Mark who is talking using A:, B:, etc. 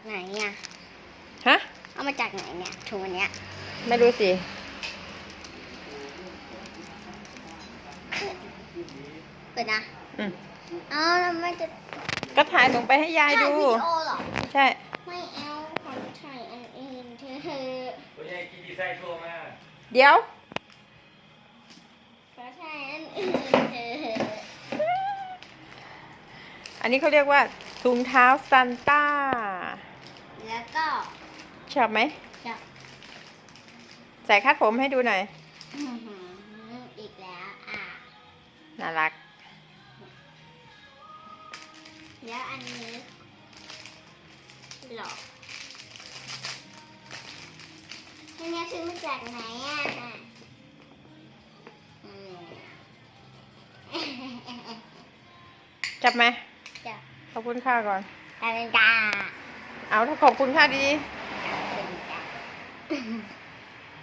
A: ไหนเนี่ย
B: ฮะ
A: เอามาจากไหนเนี่ยถุงอันเนี้ย
B: ไม่รู้สิ
A: เปิดนะ
B: อืม
A: แล้วไม่จะ
B: ก็ถ่ายลงไปให้ยายดู
A: ถ่ายวิดีโอเหรอ
B: ใช่
A: ไม่เอาขอถ่ายอันอื่นเธอ
C: ตัวยายกินดีไซน์โชว์มา
B: เดี๋ยว
A: ขอถ่ายอันอื่นเธอ
B: อันนี้เขาเรียกว่าถุงเท้าซันต้า
A: แล้วก็
B: ชอบไหม
A: จะ
B: ใส่คาดผมให้ดูหน่อย
A: อีกแล้ว
B: น่ารัก
A: แล้วอันนี้หรออันนี้ซื้อมาจากไหน
B: จับไหม
A: จ้ะ
B: ขอบคุณค่าก่อน
A: จ้า
B: เอาถ้าขอบคุณค่าดี
A: ขอบคุณจ้า